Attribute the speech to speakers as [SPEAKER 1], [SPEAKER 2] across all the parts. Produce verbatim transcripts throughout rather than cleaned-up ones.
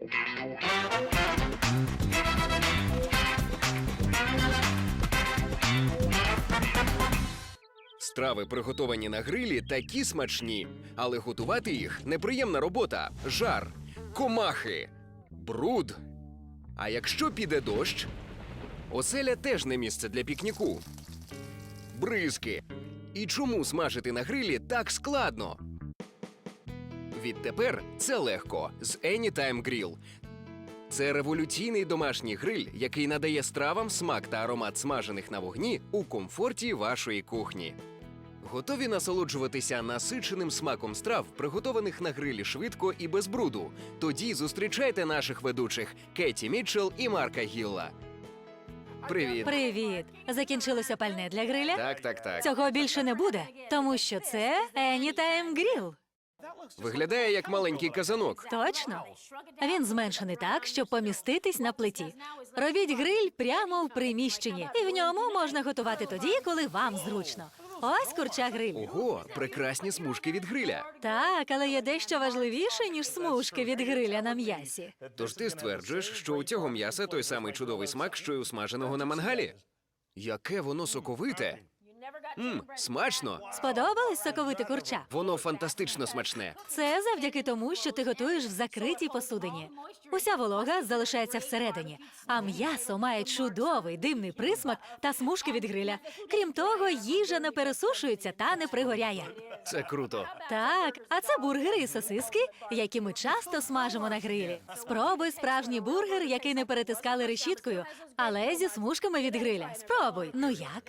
[SPEAKER 1] Страви, приготовані на грилі, такі смачні, але готувати їх – неприємна робота, жар, комахи, бруд. А якщо піде дощ, оселя теж не місце для пікніку. Бризки. І чому смажити на грилі так складно? Відтепер це легко з Anytime Grill. Це революційний домашній гриль, який надає стравам смак та аромат смажених на вогні у комфорті вашої кухні. Готові насолоджуватися насиченим смаком страв, приготованих на грилі швидко і без бруду? Тоді зустрічайте наших ведучих Кеті Мітчелл і Марка Гілла. Привіт.
[SPEAKER 2] Привіт! Закінчилося пальне для гриля?
[SPEAKER 1] Так, так, так.
[SPEAKER 2] Цього більше не буде, тому що це Anytime Grill.
[SPEAKER 1] Виглядає як маленький казанок.
[SPEAKER 2] Точно. Він зменшений так, щоб поміститись на плиті. Робіть гриль прямо в приміщенні, і в ньому можна готувати тоді, коли вам зручно. Ось курча гриль.
[SPEAKER 1] Ого, прекрасні смужки від гриля.
[SPEAKER 2] Так, але є дещо важливіше, ніж смужки від гриля на м'ясі.
[SPEAKER 1] Тож ти стверджуєш, що у цього м'яса той самий чудовий смак, що й у смаженого на мангалі? Яке воно соковите! Мм, смачно!
[SPEAKER 2] Сподобалось соковите курча?
[SPEAKER 1] Воно фантастично смачне.
[SPEAKER 2] Це завдяки тому, що ти готуєш в закритій посудині. Уся волога залишається всередині, а м'ясо має чудовий димний присмак та смужки від гриля. Крім того, їжа не пересушується та не пригоряє.
[SPEAKER 1] Це круто.
[SPEAKER 2] Так, а це бургери і сосиски, які ми часто смажимо на грилі. Спробуй справжній бургер, який не перетискали решіткою, але зі смужками від гриля. Спробуй. Ну як?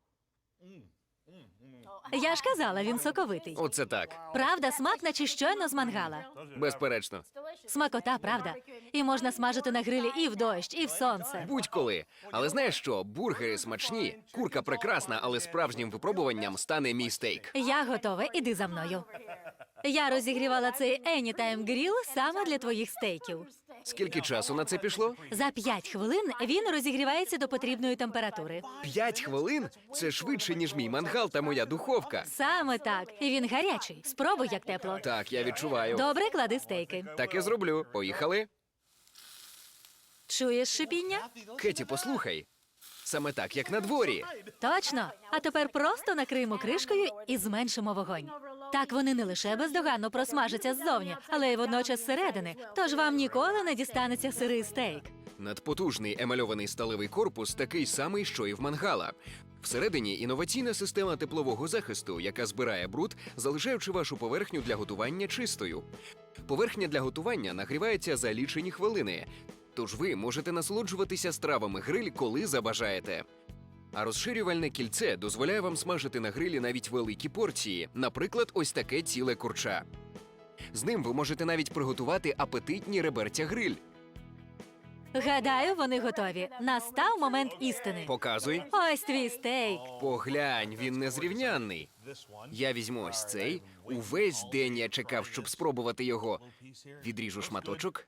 [SPEAKER 2] Я ж казала, він соковитий.
[SPEAKER 1] Оце так.
[SPEAKER 2] Правда, смак наче щойно з мангала.
[SPEAKER 1] Безперечно.
[SPEAKER 2] Смакота, правда? І можна смажити на грилі і в дощ, і в сонце.
[SPEAKER 1] Будь-коли. Але знаєш що? Бургери смачні, курка прекрасна, але справжнім випробуванням стане мій стейк.
[SPEAKER 2] Я готова, іди за мною. Я розігрівала цей Anytime Grill саме для твоїх стейків.
[SPEAKER 1] Скільки часу на це пішло?
[SPEAKER 2] За п'ять хвилин він розігрівається до потрібної температури.
[SPEAKER 1] П'ять хвилин? Це швидше, ніж мій мангал та моя духовка.
[SPEAKER 2] Саме так. І він гарячий. Спробуй, як тепло.
[SPEAKER 1] Так, я відчуваю.
[SPEAKER 2] Добре, клади стейки.
[SPEAKER 1] Так і зроблю. Поїхали?
[SPEAKER 2] Чуєш шипіння?
[SPEAKER 1] Кеті, послухай. Саме так, як на дворі.
[SPEAKER 2] Точно. А тепер просто накриємо кришкою і зменшимо вогонь. Так вони не лише бездоганно просмажаться ззовні, але й водночас зсередини. Тож вам ніколи не дістанеться сирий стейк.
[SPEAKER 1] Надпотужний емальований сталевий корпус такий самий, що і в мангала. Всередині інноваційна система теплового захисту, яка збирає бруд, залишаючи вашу поверхню для готування чистою. Поверхня для готування нагрівається за лічені хвилини, тож ви можете насолоджуватися стравами гриль, коли забажаєте. А розширювальне кільце дозволяє вам смажити на грилі навіть великі порції, наприклад, ось таке ціле курча. З ним ви можете навіть приготувати апетитні реберця гриль.
[SPEAKER 2] Гадаю, вони готові. Настав момент істини.
[SPEAKER 1] Показуй.
[SPEAKER 2] Ось твій стейк.
[SPEAKER 1] Поглянь, він незрівнянний. Я візьму ось цей. Увесь день я чекав, щоб спробувати його. Відріжу шматочок.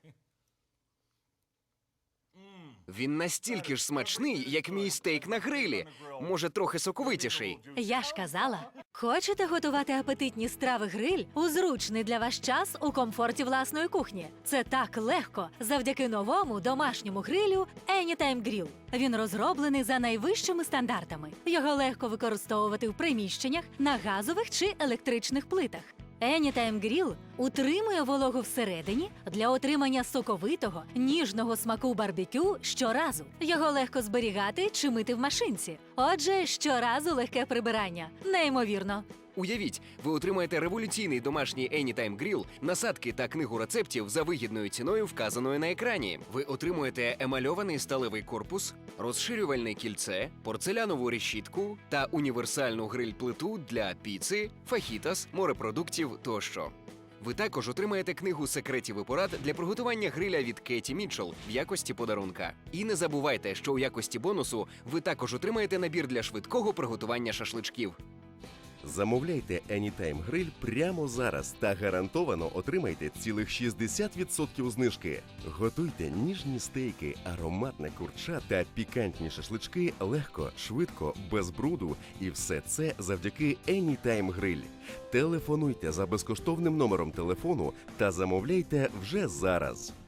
[SPEAKER 1] Він настільки ж смачний, як мій стейк на грилі. Може, трохи соковитіший.
[SPEAKER 2] Я ж казала. Хочете готувати апетитні страви гриль у зручний для вас час у комфорті власної кухні? Це так легко завдяки новому домашньому грилю Anytime Grill. Він розроблений за найвищими стандартами. Його легко використовувати в приміщеннях, на газових чи електричних плитах. Anytime Grill утримує вологу всередині для отримання соковитого, ніжного смаку барбекю щоразу. Його легко зберігати чи мити в машинці. Отже, щоразу легке прибирання. Неймовірно.
[SPEAKER 1] Уявіть, ви отримаєте революційний домашній Anytime Grill, насадки та книгу рецептів за вигідною ціною, вказаною на екрані. Ви отримуєте емальований сталевий корпус, розширювальне кільце, порцелянову решітку та універсальну гриль-плиту для піци, фахітас, морепродуктів тощо. Ви також отримаєте книгу секретів і порад для приготування гриля від Кеті Мітчелл в якості подарунка. І не забувайте, що у якості бонусу ви також отримаєте набір для швидкого приготування шашличків.
[SPEAKER 3] Замовляйте Anytime Grill прямо зараз та гарантовано отримайте цілих шістдесят відсотків знижки. Готуйте ніжні стейки, ароматне курча та пікантні шашлички легко, швидко, без бруду. І все це завдяки Anytime Grill. Телефонуйте за безкоштовним номером телефону та замовляйте вже зараз.